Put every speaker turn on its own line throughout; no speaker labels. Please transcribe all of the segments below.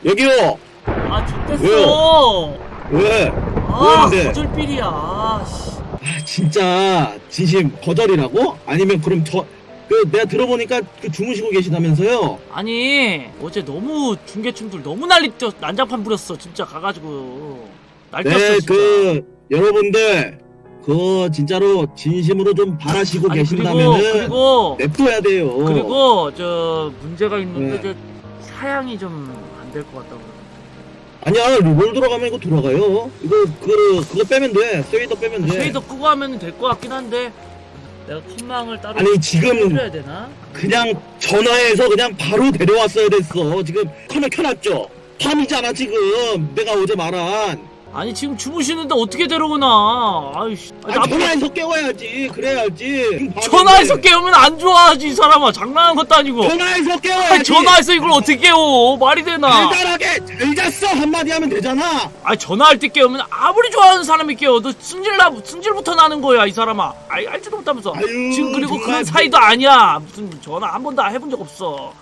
여기요.
아 좋댔어.
왜?
아
왜인데?
거절필이야. 아, 씨.
아 진짜 진심 거절이라고? 아니면 그럼 내가 들어보니까 그 주무시고 계시다면서요?
아니 어제 너무 중계충들 너무 난장판 부렸어 진짜 가가지고 날뛰었어
네,
진짜.
여러분들 진짜로 진심으로 좀 바라시고
아니
계신다면은
그리고
냅둬야 돼요.
그리고 저 문제가 있는데
네.
저 사양이 좀 안 될 것 같다고.
아니야, 롤 들어가면 이거 돌아가요. 이거 그거 빼면 돼. 쉐이더 빼면 돼.
쉐이더 끄고 하면 될 것 같긴 한데 내가 컴망을 따로
아니, 지금
해줘야 되나?
그냥 전화해서 그냥 바로 데려왔어야 됐어. 지금 카메라 켜놨죠? 밤이잖아 지금. 내가 어제 말한.
아니 지금 주무시는데 어떻게 데려오나. 아이씨.
아니, 전화해서 깨워야지. 그래야지. 지금 밤인데.
전화해서 깨우면 안 좋아하지 이 사람아. 장난하는 것도 아니고.
전화해서 깨워야지.
아니 전화해서 이걸 어떻게 깨워. 말이 되나.
달달하게 잘 잤어 한마디 하면 되잖아.
아니 전화할 때 깨우면 아무리 좋아하는 사람이 깨워도 승질부터 나는 거야 이 사람아. 알지도 못하면서.
아유,
지금 그리고
정말
그런 사이도 아니야. 무슨 전화 한 번도 해본 적 없어.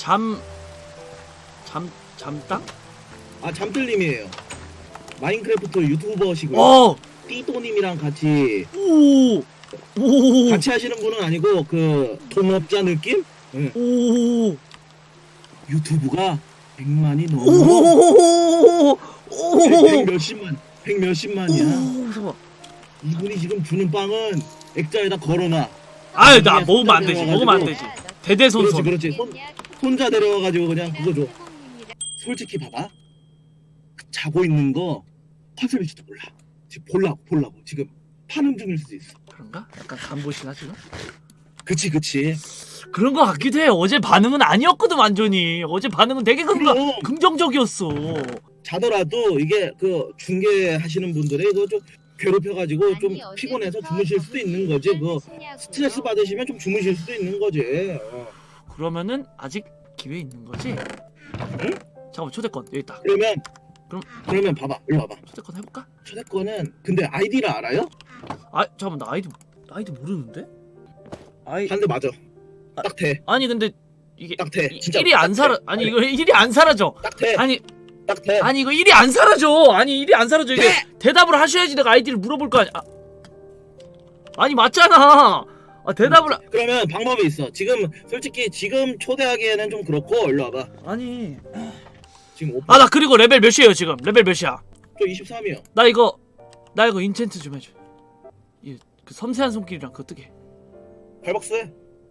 잠땅?
아, 잠들님이에요. 마인크래프트 유튜버시고요.
어.
띠또님이랑 같이
오.
같이 하시는 분은 아니고 그 동업자 느낌? 응.
오.
유튜브가 100만이 넘어.
오.
100 몇십만이야.
무서워.
이분이 지금 주는 빵은 액자에다 걸어놔.
아유 나 먹으면 안 되지. 먹으면 안 되지. 대대손손.
그렇지. 손자 데려와가지고 그냥 그거 줘. 솔직히 봐봐. 자고 있는 거 컨셉일지도 몰라. 지금 보려고 지금 파는 중일 수도 있어.
그런가? 약간 간보시나 지금?
그치.
그런 거 같기도 해. 어제 반응은 아니었거든 완전히. 어제 반응은 되게
그럼.
긍정적이었어.
자더라도 이게 그 중계하시는 분들이 그거 좀 괴롭혀가지고 좀 피곤해서 주무실 수도 있는 거지. 그 스트레스 받으시면 좀 주무실 수도 있는 거지.
그러면은 아직 기회 있는 거지?
응?
잠깐만 초대권 여기 있다.
그러면 봐봐. 일로 와봐.
초대권 해볼까?
초대권은 근데 아이디를 알아요?
아 잠깐만 나 아이디 모르는데?
한 대 맞아. 딱 돼.
아니 근데 이게
딱 돼. 진짜.
일이 안 사라. 아니 이거 일이 안 사라져.
딱 돼.
아니
딱 돼.
아니 이거 일이 안 사라져. 아니 일이 안 사라져. 이게 대답을 하셔야지 내가 아이디를 물어볼 거 아니야. 아니 맞잖아. 대답을
그러면 방법이 있어. 솔직히 지금 초대하기에는 좀 그렇고 일로 와봐.
아니
지금 오빠.
나 그리고 레벨 몇이에요 지금? 레벨 몇이야?
저 23이요.
나 이거 인챈트 좀 해줘. 그 섬세한 손길이랑 그거 뜨게.
발박스해.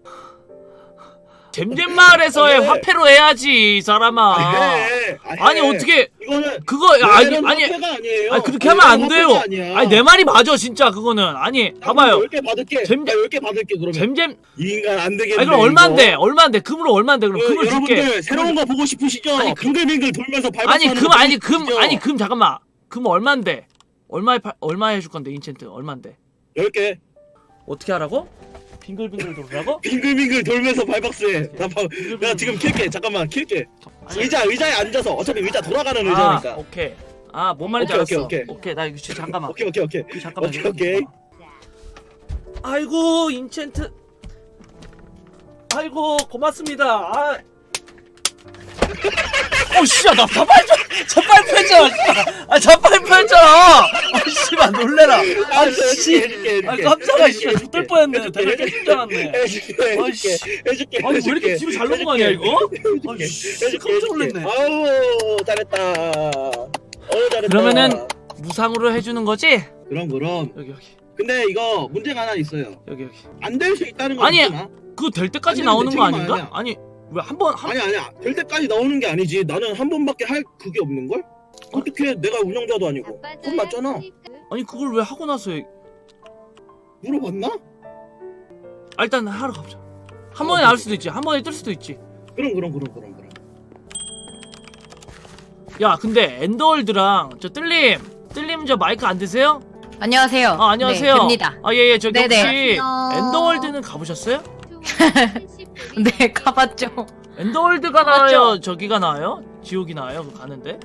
잼잼마을에서의
해.
화폐로 해야지 이 사람아.
해.
아니 어떻게
이거는
그거 아니
아니에요.
그렇게 하면 안 돼요.
아니야.
아니 내 말이 맞아 진짜 그거는. 아니 봐봐요.
10개 받을게.
잼-
10개 받을게 그러면.
잼잼
이 인간 안 되겠네.
아니 그럼 얼마인데 금으로 얼마인데 그럼 금을 줄게.
여러분들 새로운 거 보고 싶으시죠?
아니,
빙글빙글 돌면서 발박스
아니
하는
금
거
아니
보고
금
싶으시죠?
아니 금 잠깐만 금 얼마인데 얼마에 해줄 건데 인챈트 얼마인데
10개.
어떻게 하라고? 빙글빙글 돌라고?
빙글빙글 돌면서 발박스해. 나 지금 킬게. 잠깐만 킬게. 의자에 앉아서 어차피 의자 돌아가는 의자니까.
오케이. 뭔 말인지
오케이,
알았어.
오케이.
나 이거 진짜 잠깐만.
오케이.
잠깐만.
오케이.
아이고 인챈트. 아이고 고맙습니다. 씨야 나 자빨표 했잖아. 자빨표 했잖아. 씨발 놀래라.
해줄게.
깜짝아 씨발 죽을 뻔했네. 대박 깨질 줄 알았네.
해줄게.
아니 왜 이렇게 뒤로 잘 넘어가냐 이거? 씨 깜짝 놀랐네.
아우 잘했다. 잘했다.
그러면은 무상으로 해주는 거지?
그럼.
여기.
근데 이거 문제가 하나 있어요.
여기.
안 될 수 있다는 거
아니,
있잖아.
그거 될 때까지
아니,
나오는 거
책임
아닌가?
아니야.
아니 왜 한번
아니야. 될 때까지 나오는 게 아니지. 나는 한 번밖에 할 그게 없는 걸? 어떻게 내가 운영자도 아니고. 그건 맞잖아.
아니 그걸 왜 하고 나서
물어봤나?
일단 하러 가보자. 한 번에 나올 수도 있지. 한 번에 뜰 수도 있지.
그럼.
야 근데 엔더월드랑 저 뜰림 저 마이크 안 되세요?
안녕하세요.
안녕하세요.
네, 됩니다.
예 저기
네네.
혹시
안녕.
엔더월드는 가보셨어요?
네, 가봤죠.
엔더월드가 나와요? 저기가 나와요? 지옥이 나와요? 그거 가는데?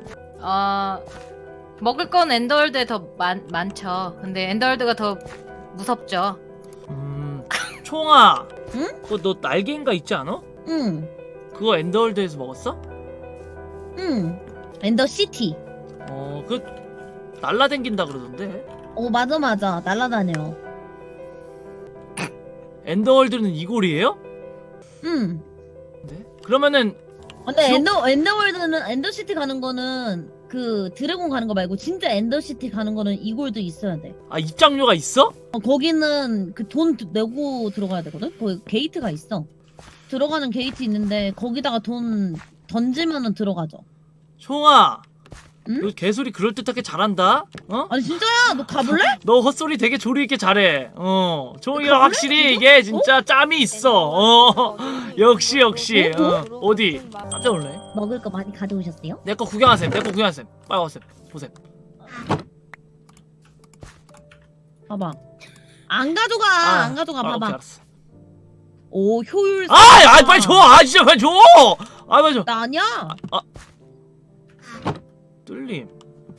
먹을 건 엔더월드에 더 많죠. 근데 엔더월드가 더 무섭죠.
총아.
응?
그거 너 날개인가 있지 않아?
응.
그거 엔더월드에서 먹었어?
응.
엔더시티.
그 날라댕긴다 그러던데.
맞아 날라다녀.
엔더월드는 이골이에요? 네? 그러면은
근데 엔더월드는 엔더시티 가는 거는 그 드래곤 가는 거 말고 진짜 엔더시티 가는 거는 이골도 있어야 돼.
입장료가 있어?
거기는 그 돈 내고 들어가야 되거든. 거기 게이트가 있어. 들어가는 게이트 있는데 거기다가 돈 던지면은 들어가죠.
총아,
응?
너 개소리 그럴듯하게 잘한다.
아니 진짜야? 너 가볼래?
너 헛소리 되게 조리 있게 잘해. 총이가 확실히 이게 진짜 짬이 있어. 역시. 어디? 깜짝 놀래.
먹을 거 많이 가져오셨어요?
내 거 구경하셈. 빨리 와셈. 보셈.
봐봐. 안 가져가. 안 가져가.
오케이,
봐봐.
알았어.
오 효율.
빨리 줘. 진짜 빨리 줘. 빨리 줘.
나 아니야.
뚫림.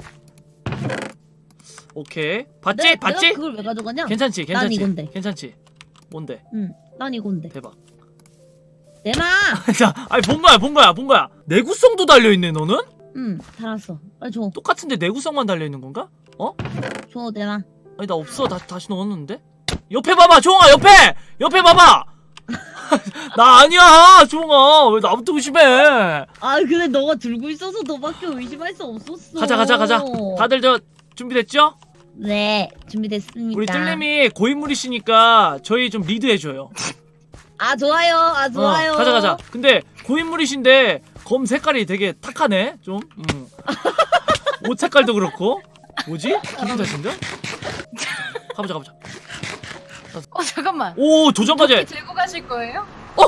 오케이. 봤지?
내가 그걸 왜 가져가냐?
괜찮지?
난 이건데.
괜찮지? 뭔데?
난 이건데.
대박.
내놔.
자, 본 거야. 내구성도 달려 있네, 너는?
달았어. 빨리 줘.
똑같은데 내구성만 달려 있는 건가?
줘 내놔.
아니 나 없어. 다시 넣었는데. 옆에 봐봐, 종아. 옆에 봐봐. 나 아니야, 종아. 왜 나부터 의심해?
근데 너가 들고 있어서 너밖에 의심할 수 없었어.
가자. 다들 준비됐죠?
네, 준비됐습니다.
우리 뜰님이 고인물이시니까 저희 좀 리드해줘요.
좋아요. 좋아요.
가자. 근데 고인물이신데 검 색깔이 되게 탁하네, 좀. 옷 색깔도 그렇고. 뭐지? 기분 탓인가? 가보자.
잠깐만.
오, 조정까지.
도끼 들고 가실 거예요?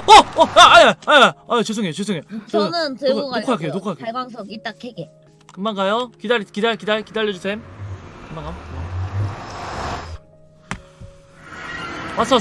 죄송해요.
저는 들고 가요.
녹화할게요.
발광석 이따 캐게.
금방 가요. 기다려주셈. 금방 가. 왔어.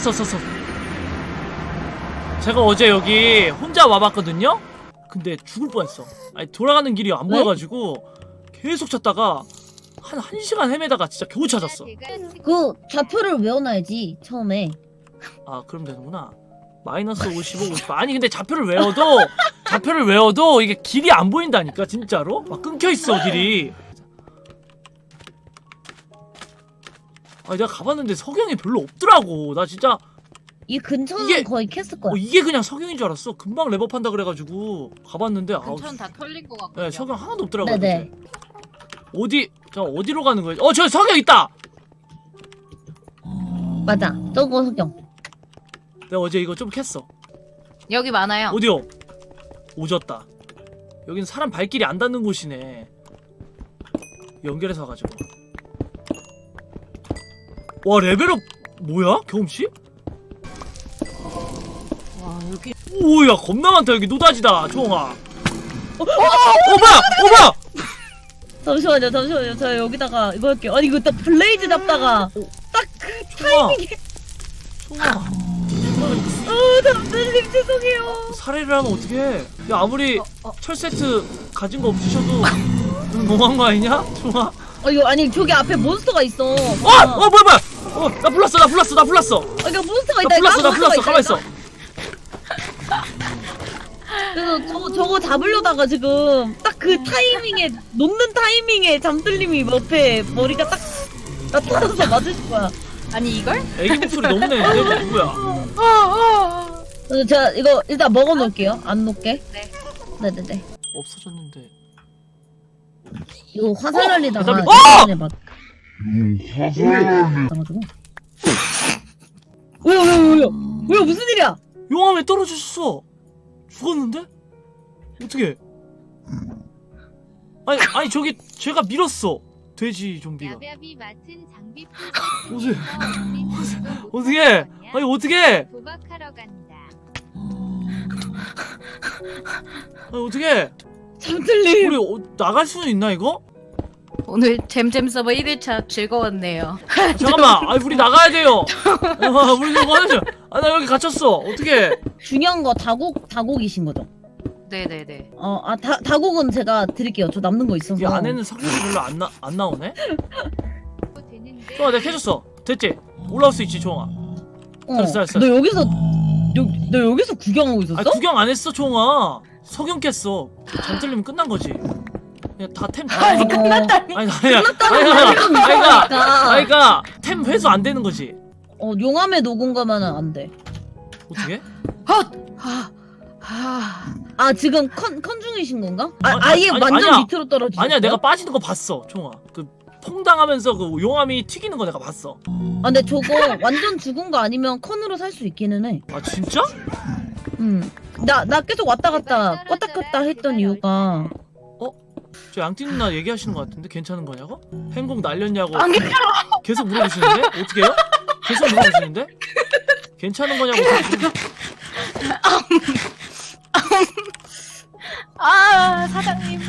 제가 어제 여기 혼자 와봤거든요. 근데 죽을 뻔했어. 돌아가는 길이 안 보여가지고 계속 찾다가 한 1시간 헤매다가 진짜 겨우 찾았어.
그 좌표를 외워놔야지 처음에.
그럼 되는구나. 마이너스 55, 50. 아니 근데 좌표를 외워도 이게 길이 안 보인다니까 진짜로. 막 끊겨있어 길이. 내가 가봤는데 석영이 별로 없더라고. 나 진짜
이 근처는
이게-
거의 캤을 거야.
이게 그냥 석영인 줄 알았어. 금방 랩업한다 그래가지고 가봤는데
근처는 다 털린 것 같고.
네, 석영 하나도 없더라고.
네네.
어디로 가는 거야? 저 석영 있다.
맞아. 저거 석영.
내가 어제 이거 좀 캤어.
여기 많아요.
어디요? 오졌다. 여긴 사람 발길이 안 닿는 곳이네. 연결해서 가지고. 와 레벨업 뭐야? 경험치?
와 여기.
오야 겁나 많다 여기 노다지다 조홍아. 뭐야?
잠시만요. 저 여기다가 이거 할게요. 아니 이거 딱 블레이즈 잡다가 딱 그 타이밍에.
조홍아.
남자님 죄송해요.
살해를 하면 어떡해? 야 아무리 철 세트 가진 거 없으셔도 너무한 거 아니냐? 조홍아.
이거 아니 저기 앞에 몬스터가 있어.
뭐야? 나 불났어.
이거 몬스터가 있다.
나 불났어. 가만 있어.
그래서 저거 잡으려다가 지금 딱 그 타이밍에 놓는 타이밍에 잠들님이 옆에 머리가 딱 나타나서 맞을 거야.
아니 이걸?
애기 목소리 너무 내는데 누구야?
그래서 제가 이거 일단 먹어놓을게요. 안 놓게.
네.
네네네.
없어졌는데.
이거 화살 날리다가
잠깐만.
이번에 가지고. 왜요? 무슨 일이야?
용암 왜 떨어졌어? 죽었는데? 어떻게? 아니 저기 제가 밀었어. 돼지 좀비가.
야비야비 맡은 장비
어떻게? 아니 어떻게?
도박하러 간다.
아니 어떻게?
잠들님.
우리 나갈 수는 있나 이거?
오늘 잼잼 서버 1일차 즐거웠네요.
잠깐만. 우리 나가야 돼요. 우리 이거 하자. 나 여기 갇혔어. 어떻게?
중요한 거 다곡이신 거죠?
네네네.
다곡은 제가 드릴게요. 저 남는 거 있어서.
이 안에는 석유가 별로 안 나오네. 좋아, 내가 캐줬어. 됐지? 올라올 수 있지, 종아. 잘했어.
너 여기서 구경하고 있었어?
구경 안 했어, 종아. 석영 깼어. 잠들리면 끝난 거지. 그냥 다템
아니 끝났다니.
아이가 템 회수 안 되는 거지.
용암에 녹은 거면은 안 돼.
어떻게?
아 지금 컨 중이신 건가?
아니,
아예
아니,
완전
아니야.
밑으로 떨어지셨어요?
아니야 내가 빠지는 거 봤어 총아. 그 퐁당하면서 그 용암이 튀기는 거 내가 봤어.
아 근데 저거 완전 죽은 거 아니면 컨으로 살 수 있기는 해.
아 진짜?
나 계속 왔다 갔다 했던 이유가
저 양띠 누나 얘기하시는 거 같은데 괜찮은 거냐고? 행복 날렸냐고
안 괜찮아.
계속 물어보시는데? 어떻게 해요? 계속 물어보시는데? 괜찮은 거냐고
아 사장님.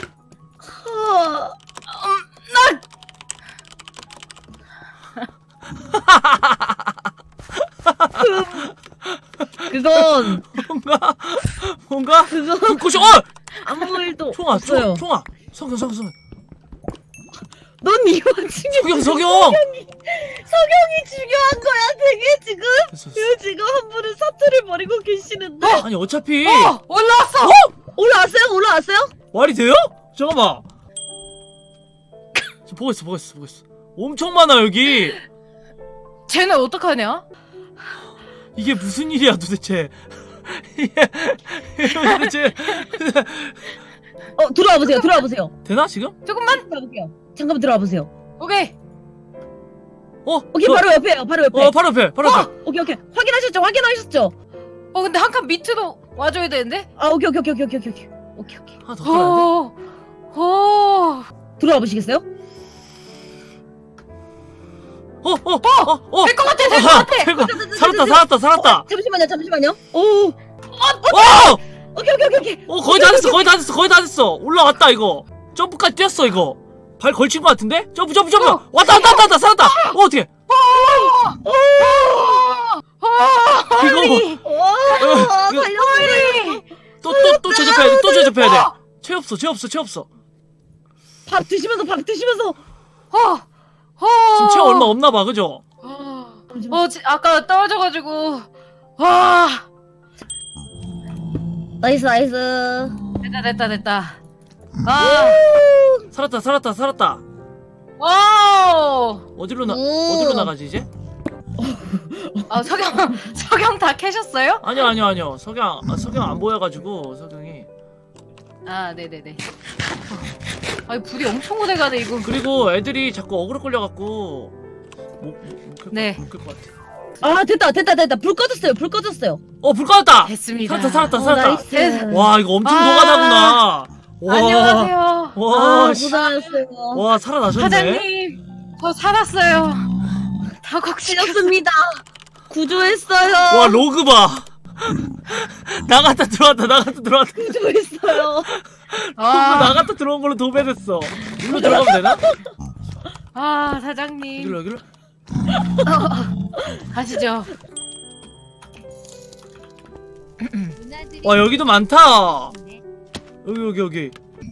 그건
뭔가
그건
불꽃이
아무 일도
총아
없어요.
총아 석영
넌 이 와중에
석영
석영이 중요한 거야 되게 지금.
됐어.
지금 한 분은 사투를 벌이고 계시는데.
아니 어차피
올라왔어.
올라왔어요?
말이 돼요? 잠깐만 지금 보고 있어 엄청 많아 여기.
쟤는 어떡하냐?
이게 무슨 일이야 도대체. 이게 도대체
들어와 보세요.
되나 지금?
조금만.
들어볼게요. 잠깐만 들어와 보세요.
오케이.
오케이 바로 옆에요. 바로 옆에.
바로 옆에
오케이. 확인하셨죠?
근데 한 칸 밑으로 와줘야 되는데.
아 오케이.
하나 더 들어야
들어와 보시겠어요?
될 것 같아.
살았다.
잠시만요. 오. 오케이.
거의 다 됐어. 올라왔다 이거. 점프까지 뛰었어 이거. 발 걸친 것 같은데? 점프. 왔다. 살았다. 어떻게? 이거
달려오네.
또 제접해야 돼. 채 없어.
밥 드시면서.
지금 채 얼마 없나 봐, 그죠?
아까 떨어져가지고. 와.
나이스.
됐다. 아.
살았다.
와우.
어디로 나가지 이제?
석영 다 캐셨어요?
아니요. 석영 안 보여가지고 석영이.
아, 네네네. 아니 불이 엄청 오래 가네 이거.
그리고 애들이 자꾸 어그로 끌려갖고
네.
못 끌 것 같아.
아 됐다. 불 꺼졌어요.
불 꺼졌다.
됐습니다.
살았다.
나이스.
와 이거 엄청 노가다구나. 와.
안녕하세요.
와, 씨.
고생하셨어요.
와 살아나셨네.
사장님, 저 살았어요.
다곡시였습니다. 구조했어요.
와 로그 봐. 나갔다 들어왔다.
구조했어요.
나갔다 들어온 걸로 도배됐어. 일로 들어가면 되나?
아 사장님.
여기로.
가시죠.
와 여기도 많다. 여기.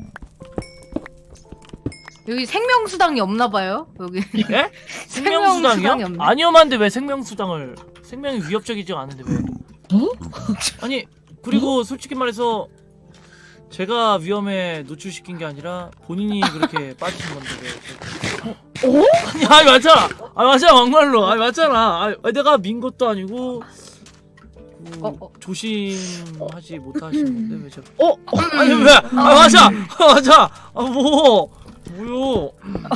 여기 생명수당이 없나봐요. 여기.
예?
생명수당이
생명수당이요?
없네.
아니요만데 왜 생명수당을? 생명이 위협적이지 않은데 왜? 아니 그리고 솔직히 말해서 제가 위험에 노출시킨 게 아니라 본인이 그렇게 빠지신 건데 왜? 아니 맞아 막말로 맞잖아. 내가 민 것도 아니고 조심하지 못하신 건데 왜 제가? 아니 왜? 맞아. 뭐요?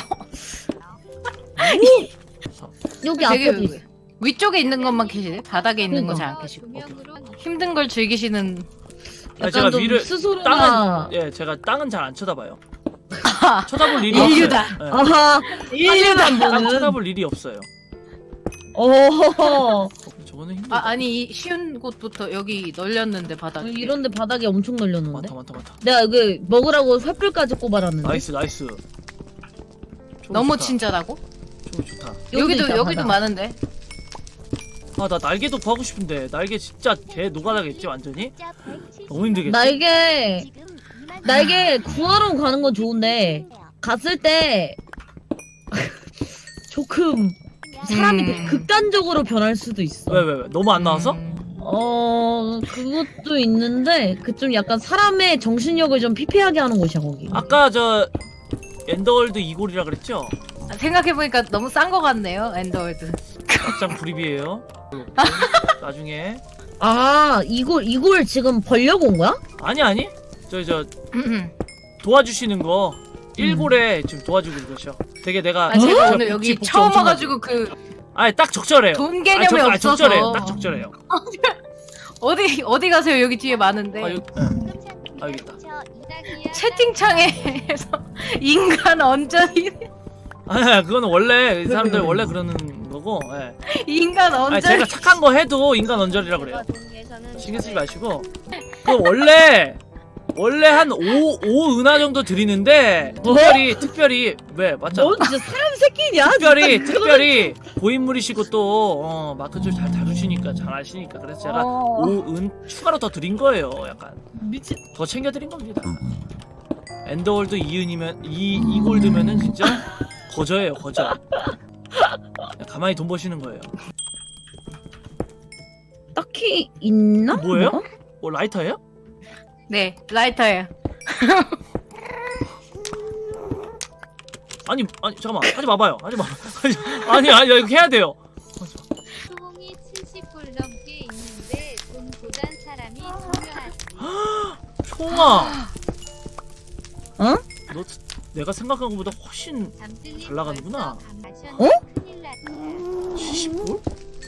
여기
되게
앞에도 있어.
위쪽에 있는 것만 캐시네. 바닥에 있는 거 잘 안 캐시고. 힘든 걸 즐기시는.
아니, 제가
좀
위를
스스로나.
제가 땅은 잘 안 쳐다봐요. 쳐다볼 일이
인류다.
없어요. 네.
아하.
인류다.
땅 쳐다볼 일이 없어요.
오.
저거는 힘들다.
아니 이 쉬운 곳부터 여기 널렸는데 바닥에.
이런데 바닥에 엄청 널렸는데.
많다.
내가 여기 먹으라고 횃불까지 꼽아놨는데.
나이스.
너무
좋다.
친절하고.
좋다.
여기도
있다, 바닥.
많은데.
나 날개도 구하고 싶은데 날개 진짜 개 노가다겠지 완전히? 너무 힘들겠지?
날개 구하러 가는 건 좋은데 갔을 때 조금 사람이 되게 극단적으로 변할 수도 있어.
왜? 너무 안 나와서?
그것도 있는데 그 좀 약간 사람의 정신력을 좀 피폐하게 하는 곳이야 거기.
아까 저 엔더월드 이골이라 그랬죠?
생각해보니까 너무 싼 거 같네요 엔더월드.
막장 불입이에요. 나중에
이걸 지금 벌려고 온 거야?
아니 저 도와주시는 거 1골에 지금 도와주고 계셔. 되게 내가
제가
저
오늘 여기
복지
처음
엄청
와가지고 그
아니 딱 적절해요.
돈 개념이 없어서.
적절해요. 딱 적절해요.
어디 가세요? 여기 뒤에 많은데.
아, 여기 있다.
채팅창에서 인간 언저리
아, 그거는 원래 이 사람들 원래 그러는 거고. 예.
인간
아니,
언저리.
제가 착한 거 해도 인간 언저리라 그래요. 신경 쓰지 마시고. 그 원래 한 5 은하 정도 드리는데 특별히 왜 맞잖아.
넌 진짜 사람 새끼냐?
특별히 고인물이시고 또 마크 좀 잘 다루시니까 잘 아시니까 그래서 제가 5은 추가로 더 드린 거예요. 약간
미친.
더 챙겨 드린 겁니다. 엔더월드 2은이면 2골드면은 진짜 거저예요, 거저. 가만히 돈 버시는 거예요.
딱히 있나?
뭐예요? 라이터예요?
네 라이터예요.
아니 잠깐만 하지 마봐요. 하지 마. 아니 이거 해야 돼요.
소홍이 70불 넘게 있는데 돈보단 사람이 중요하지.
총아.
어?
너 내가 생각한 것보다 훨씬
잠들림
잘 나가는구나.
벌써
어?
큰일 났다.
70불?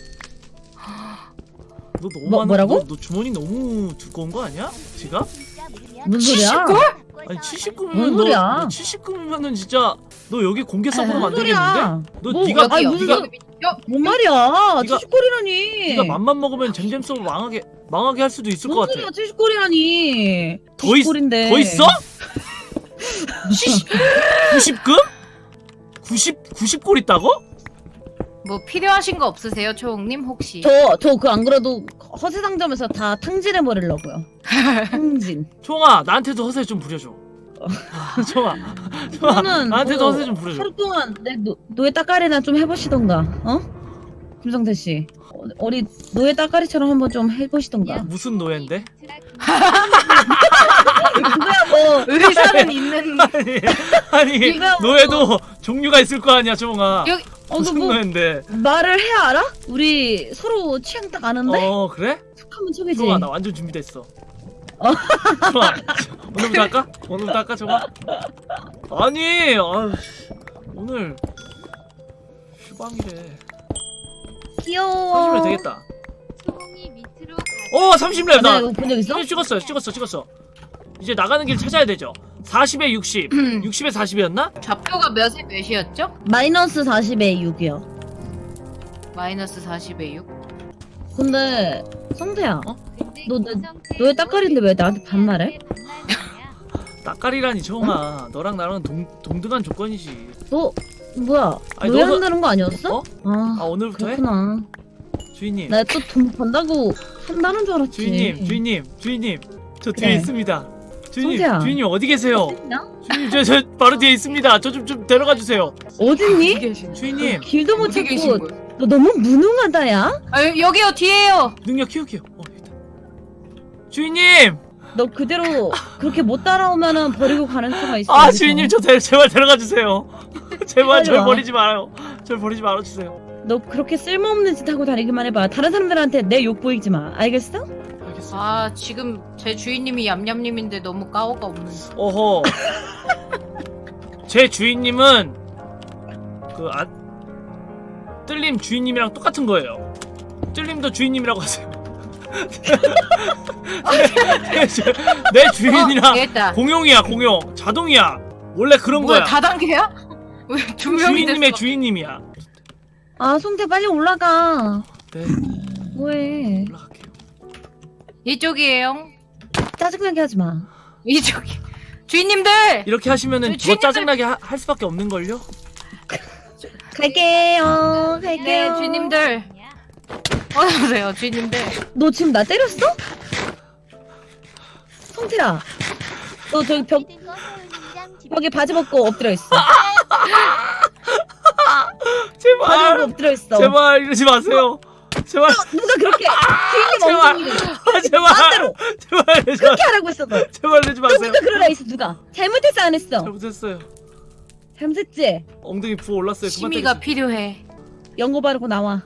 너 너무
뭐라고?
너 주머니 너무 두꺼운 거 아니야? 지갑?
무슨 소리야?
아니 79면
뭔 소리야?
너 79면은 진짜 너 여기 공개석으로
무슨 소리야?
만들겠는데? 너
뭐,
네가
아니,
여기요.
무슨 뭔 말이야?
네가-
70골이라니.
네가 맘만 먹으면 잼잼 망하게 할 수도 있을 것
뭔
같아.
소리야? 70골이라니.
더 있-
90골인데.
더 있어? 90금? 90골 있다고?
뭐 필요하신 거 없으세요, 초홍님 혹시?
저 그 안 그래도 허세 상점에서 다 탕진해 버리려고요. 탕진.
총아 나한테도 허세 좀 부려줘. 총아
그거는
나한테도
뭐
허세 좀 부려줘.
하루 동안 내 노예 따까리나 좀 해보시던가. 어? 김성태 씨. 어리 노예 따까리처럼 한번 좀 해보시던가.
무슨 노예인데?
그거야 뭐.
의사는 있는.
아니
이거야 뭐.
노예도 종류가 있을 거 아니야 총아.
여기-
무슨
뭐
노예인데?
말을 해야 알아? 우리 서로 취향 딱 아는데?
그래?
척하면 척이지.
총아 나 완전 준비됐어. 총아 오늘부터 할까? 오늘부터 할까 총아? 아니 오늘 휴방이래.
귀여워.
30렙 되겠다.
소홍이 밑으로 가.
30렙
나
나
이거 본 적 있어?
찍었어. 이제 나가는 길 찾아야 되죠. 40에 60, 60에 40이었나?
좌표가 몇에 몇이었죠?
마이너스 40에 6이요.
마이너스 40에 6.
근데 성태야,
근데
너
김성태
너의 따까리인데 왜 나한테 반말해?
왜 반말이냐?
따까리라니 총아. 너랑 나랑은 동등한 조건이지.
너 뭐야?
아니,
노예한다는 거 아니었어?
어?
아,
오늘부터 해?
그렇구나.
주인님.
나 또 돈 번다고 한다는 줄 알았지.
주인님. 저 뒤에
네.
있습니다.
성태야.
주인님 어디 계세요?
어딨냐?
주인님 저 바로 뒤에 있습니다. 저 좀 데려가 주세요.
어딨니?
주인님
길도 못
어디 계신
찾고
거예요?
너 너무 무능하다 야.
여기요 뒤에요.
능력 키울게요. 여기다. 주인님.
너 그대로 그렇게 못 따라오면은 버리고 가는 수가 있어.
주인님 제발 데려가 주세요. 제발
빨리
절
와.
버리지 말아요. 절 버리지 말아 주세요.
너 그렇게 쓸모없는 짓 하고 다니기만 해봐. 다른 사람들한테 내 욕 보이지 마. 알겠어?
알겠어.
아 지금 제 주인님이 얌얌님인데 너무 까오가 없는.
어허. 제 주인님은 뜰림 주인님이랑 똑같은 거예요. 뜰림도 주인님이라고 하세요. 내 주인이랑
됐다.
공용이야 공용. 자동이야. 원래 그런
뭐야
거야.
다단계야? 왜 두 명이
주인님의
됐어?
주인님이야.
아 성태 빨리 올라가.
네
뭐해?
올라갈게요.
이쪽이에요.
짜증나게 하지 마.
이쪽이. 주인님들.
이렇게 하시면은 더
주인님들-
짜증나게 할 수밖에 없는 걸요.
갈게요.
네
갈게요.
주인님들. 어서오세요 주인님들.
너 지금 나 때렸어? 성태야. 너 저기 벽에 바지 벗고 엎드려 있어. 바지
제발
벗고 엎드려 있어.
제발 이러지 마세요. 제발
누가 그렇게 주인님
제발.
엉덩이를
제발
마음대로
제발 내지 마.
그렇게 하라고 했어 너.
제발 내지 마세요.
누가 그러라 했어 누가? 잘못했어 안 했어?
잘못했어요.
잘못했지?
엉덩이 부어 올랐어요. 그만
심의가 필요해.
연고 바르고 나와.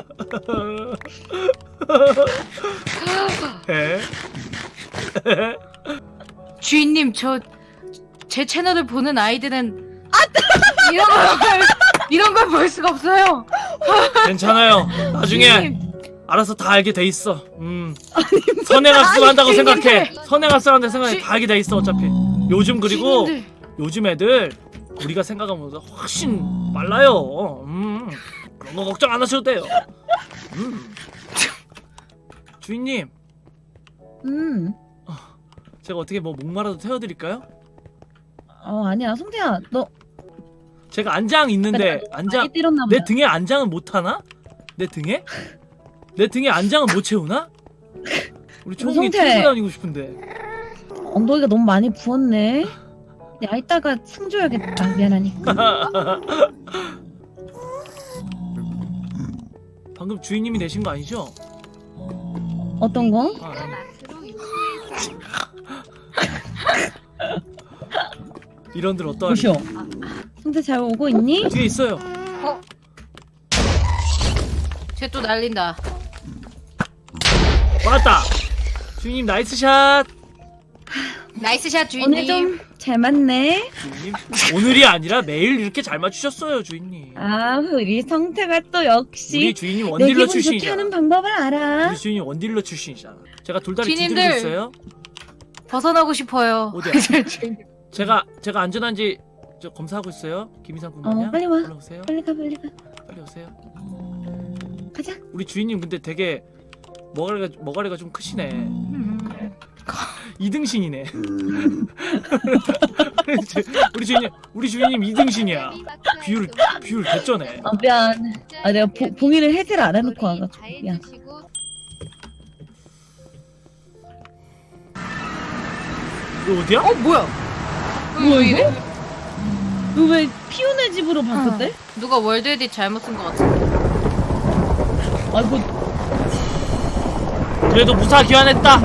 해.
주인님 저 제 채널을 보는 아이들은 이런 걸 볼 수가 없어요.
괜찮아요. 나중에
주인님,
알아서 다 알게 돼 있어. 선행학습 한다고 생각해.
주인님들.
선행학습 한다고 생각해. 다 알게 돼 있어 어차피. 요즘 그리고
주인님들.
요즘 애들 우리가 생각한 것보다 훨씬 빨라요. 그런 거 걱정 안 하셔도 돼요. 주인님, 제가 어떻게 뭐 목마라도 태워드릴까요?
아니야 성태야 너
제가 안장 있는데 안장
많이 때렸나 보다.
내 등에 안장은 못 타나? 내 등에? 내 등에 안장은 못 채우나? 우리 초홍이
성태.
태우고 다니고 싶은데.
엉덩이가 너무 많이 부었네. 야 이따가 상 줘야겠다 미안하니까.
방금 주인님이 내신 거 아니죠?
어떤 거?
아, 아니.
맛으로 유추해서
이런들 어떠하니?
보시오. 성태 잘 오고 있니?
뒤에 있어요.
쟤 또 날린다.
맞다. 주인님 나이스 샷.
나이스 샷
오늘
주인님.
좀 잘 맞네.
주인님 오늘이 아니라 매일 이렇게 잘 맞추셨어요 주인님.
아 우리 성태가 또 역시
우리 주인님
내
원딜러
기분 좋게
출신이잖아.
하는 방법을 알아.
우리 주인님 원딜러 출신이잖아. 제가 돌다리
주인님들.
두드리고 있어요.
벗어나고 싶어요.
어디야? 제가 안전한지 저 검사하고 있어요. 김이상 군만요.
빨리 와.
오세요.
빨리 가 빨리 가.
빨리 오세요.
가자.
우리 주인님 근데 되게 머가리가 좀 크시네. 이등신이네. 우리 주인님 이등신이야. 비율 개쩌네.
미안. 내가 봉이를 해제를 안 해놓고 와가지고 미안.
이거 어디야?
뭐야?
뭐야,
왜 이래?
너 왜 피오네 집으로 바꿨대?
누가 월드 에딧 잘못 쓴 것 같은데.
아이고
그래도 무사 귀환했다.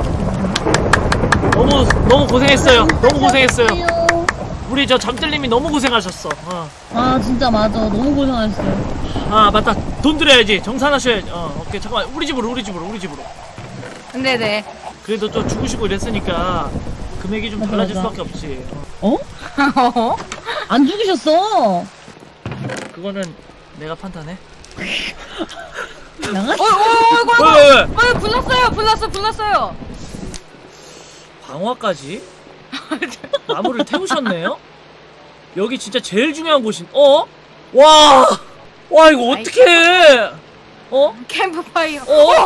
너무 고생했어요. 너무 고생했어요. 우리 저 잠들님이 너무 고생하셨어.
아 진짜 맞아 너무 고생하셨어요.
아 맞다. 돈 드려야지. 정산하셔야지. 오케이 잠깐만. 우리 집으로.
네네.
그래도 또 죽으시고 이랬으니까 금액이 좀
맞아,
달라질
맞아.
수밖에 없지.
안 죽으셨어.
그거는 내가 판단해.
양아치.
왜?
불났어요.
방화까지? 나무를 태우셨네요? 여기 진짜 제일 중요한 곳인. 와 이거 어떡해?
캠프파이어.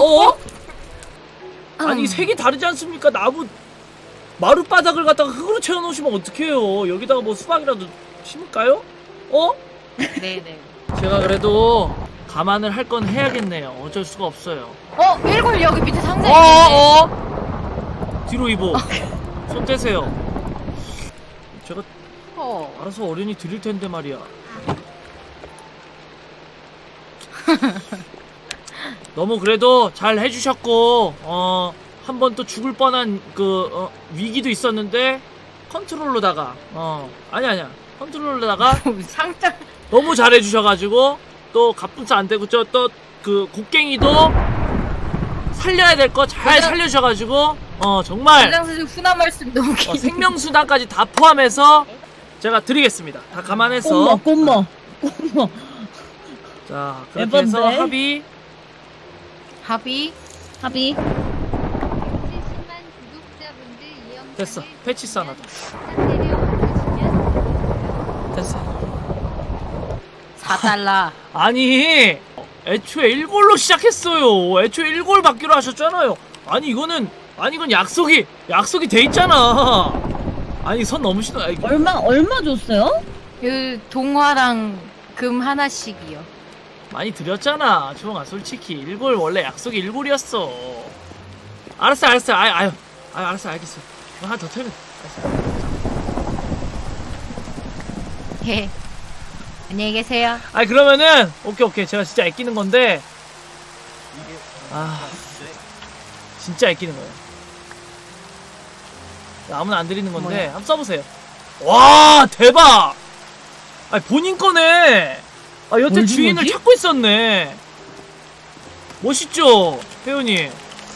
아니 색이 다르지 않습니까? 마룻바닥을 갖다가 흙으로 채워놓으시면 어떡해요? 여기다가 뭐 수박이라도 심을까요?
네네.
제가 그래도 감안을 할 건 해야겠네요. 어쩔 수가 없어요.
일골 여기 밑에 상자 있는데.
뒤로 이보. 손 떼세요. 제가
어.
알아서 어련히 드릴 텐데 말이야. 너무 그래도 잘 해주셨고 한 번 또 죽을 뻔한 위기도 있었는데 컨트롤로다가 아니야 컨트롤로다가
상자.
너무 잘해주셔가지고 또 갑분싸 안 되고 저 또 그 곡괭이도 살려야 될 거 잘 살려주셔가지고 정말
장선생 훈화 말씀 너무 긴.
생명수단까지 다 포함해서 제가 드리겠습니다. 다 감안해서
꼬머.
자 그렇게 해서
에반데?
합의.
70만 구독자분들 이 영상을
됐어. 패치스 하나 더.
내려와주시면
됐어.
4달러.
아니 애초에 1골로 시작했어요. 애초에 1골 받기로 하셨잖아요. 아니 이건 약속이 돼 있잖아. 아니 선 넘으시다.
얼마 줬어요?
그 동화랑 금 하나씩이요.
많이 드렸잖아. 주홍아 솔직히 1골 원래 약속이 1골이었어. 알았어. 알았어 알겠어. 하나 더 털면.
예. 안녕히 계세요.
그러면은 오케이 제가 진짜 아끼는 건데 진짜 아끼는 거예요. 아무나 안 드리는 건데
뭐야?
한번 써보세요. 와 대박! 아니 본인 거네. 아 여태
뭘 준
주인을
거지?
찾고 있었네. 멋있죠, 회원님.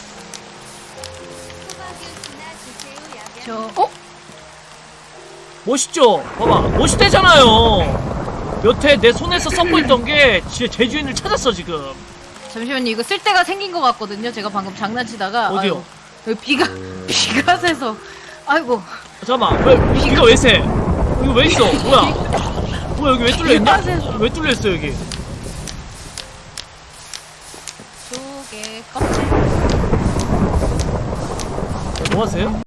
주세요.
저
멋있죠? 봐봐, 멋있대잖아요. 여태 내 손에서 썩고 있던 게 제 주인을 찾았어 지금.
잠시만요. 이거 쓸 데가 생긴 것 같거든요. 제가 방금 장난치다가
어디요?
아유, 여기 비가 새서 아이고
잠깐만, 왜 비가 왜 새? 이거 왜 있어? 뭐야? 뭐야 여기 왜 뚫려 있냐?
비가 새서
왜 뚫려 있어 여기?
조개 껍질
뭐 하세요?